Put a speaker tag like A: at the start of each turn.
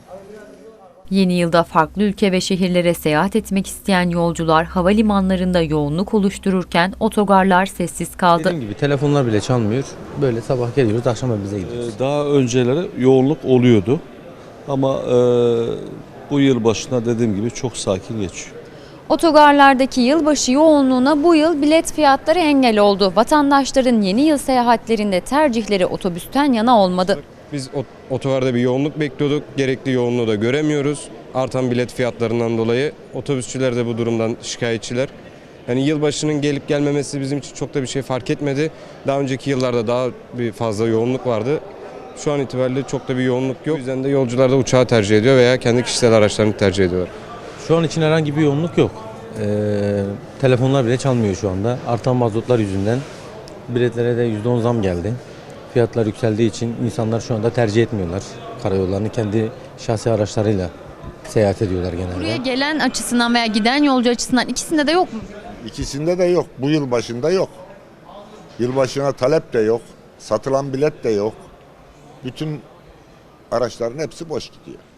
A: Yeni yılda farklı ülke ve şehirlere seyahat etmek isteyen yolcular havalimanlarında yoğunluk oluştururken otogarlar sessiz kaldı.
B: Dediğim gibi telefonlar bile çalmıyor. Böyle sabah geliyoruz, akşam evimize gidiyoruz.
C: Daha önceleri yoğunluk oluyordu ama bu yıl başına dediğim gibi çok sakin geçiyor.
A: Otogarlardaki yılbaşı yoğunluğuna bu yıl bilet fiyatları engel oldu. Vatandaşların yeni yıl seyahatlerinde tercihleri otobüsten yana olmadı.
D: Biz otogarda bir yoğunluk bekliyorduk. Gerekli yoğunluğu da göremiyoruz. Artan bilet fiyatlarından dolayı otobüsçüler de bu durumdan şikayetçiler. Yani yılbaşının gelip gelmemesi bizim için çok da bir şey fark etmedi. Daha önceki yıllarda daha bir fazla yoğunluk vardı. Şu an itibariyle çok da bir yoğunluk yok. O yüzden de yolcular da uçağı tercih ediyor veya kendi kişisel araçlarını tercih ediyorlar.
B: Şu an için herhangi bir yoğunluk yok. Telefonlar bile çalmıyor şu anda. Artan mazotlar yüzünden biletlere de %10 zam geldi. Fiyatlar yükseldiği için insanlar şu anda tercih etmiyorlar. Karayollarını kendi şahsi araçlarıyla seyahat ediyorlar genelde.
A: Buraya gelen açısından veya giden yolcu açısından ikisinde de yok mu?
E: İkisinde de yok. Bu yıl başında yok. Yılbaşına talep de yok. Satılan bilet de yok. Bütün araçların hepsi boş gidiyor.